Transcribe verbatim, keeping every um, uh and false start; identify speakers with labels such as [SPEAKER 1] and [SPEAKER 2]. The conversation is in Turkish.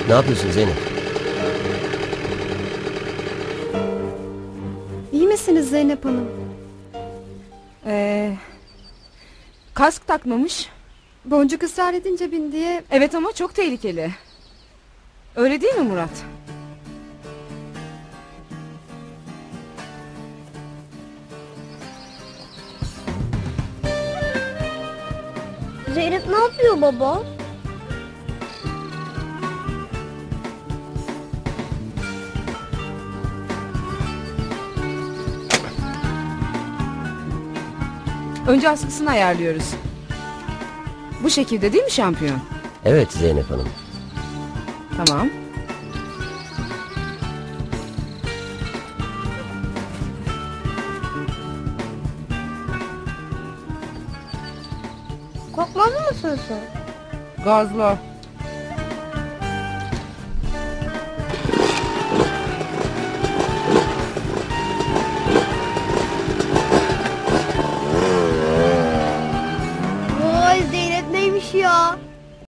[SPEAKER 1] Ne yapıyorsun Zeynep?
[SPEAKER 2] İyi misiniz Zeynep Hanım?
[SPEAKER 3] Ee, kask takmamış.
[SPEAKER 2] Boncuk ısrar edince bin diye...
[SPEAKER 3] Evet ama çok tehlikeli. Öyle değil mi Murat?
[SPEAKER 4] Zeynep ne yapıyor baba?
[SPEAKER 3] Önce askısını ayarlıyoruz. Bu şekilde değil mi şampiyon?
[SPEAKER 1] Evet Zeynep Hanım.
[SPEAKER 3] Tamam.
[SPEAKER 4] Korkmaz mısın sen?
[SPEAKER 3] Gazla.